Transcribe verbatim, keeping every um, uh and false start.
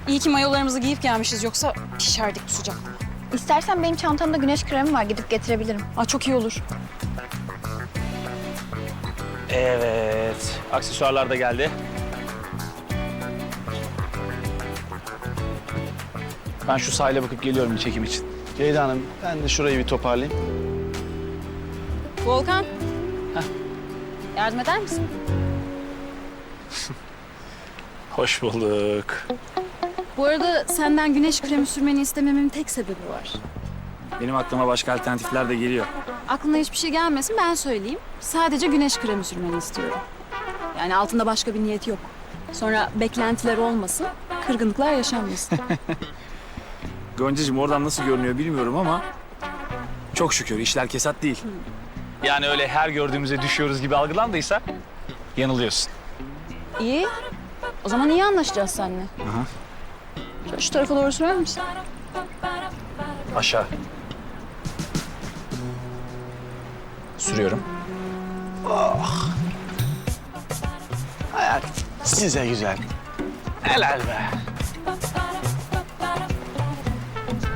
İyi ki mayolarımızı giyip gelmişiz, yoksa pişerdik bu sıcakta. İstersen benim çantamda güneş kremi var, gidip getirebilirim. Aa, çok iyi olur. Evet. Aksesuarlar da geldi. Ben şu sahile bakıp geliyorum bir çekim için. Ceyda Hanım, ben de şurayı bir toparlayayım. Volkan. Heh. Yardım eder misin? Hoş bulduk. Bu arada senden güneş kremi sürmeni istememin tek sebebi var. Benim aklıma başka alternatifler de geliyor. Aklına hiçbir şey gelmesin, ben söyleyeyim. Sadece güneş kremi sürmeni istiyorum. Yani altında başka bir niyet yok. Sonra beklentiler olmasın, kırgınlıklar yaşanmasın. Goncacığım oradan nasıl görünüyor bilmiyorum ama çok şükür işler kesat değil. Yani öyle her gördüğümüze düşüyoruz gibi algılandıysa yanılıyorsun. İyi. O zaman iyi anlaşacağız seninle. Aha. Şöyle şu tarafa doğru sürer misin? Aşağı. Sürüyorum. Hayat size güzel. Helal be.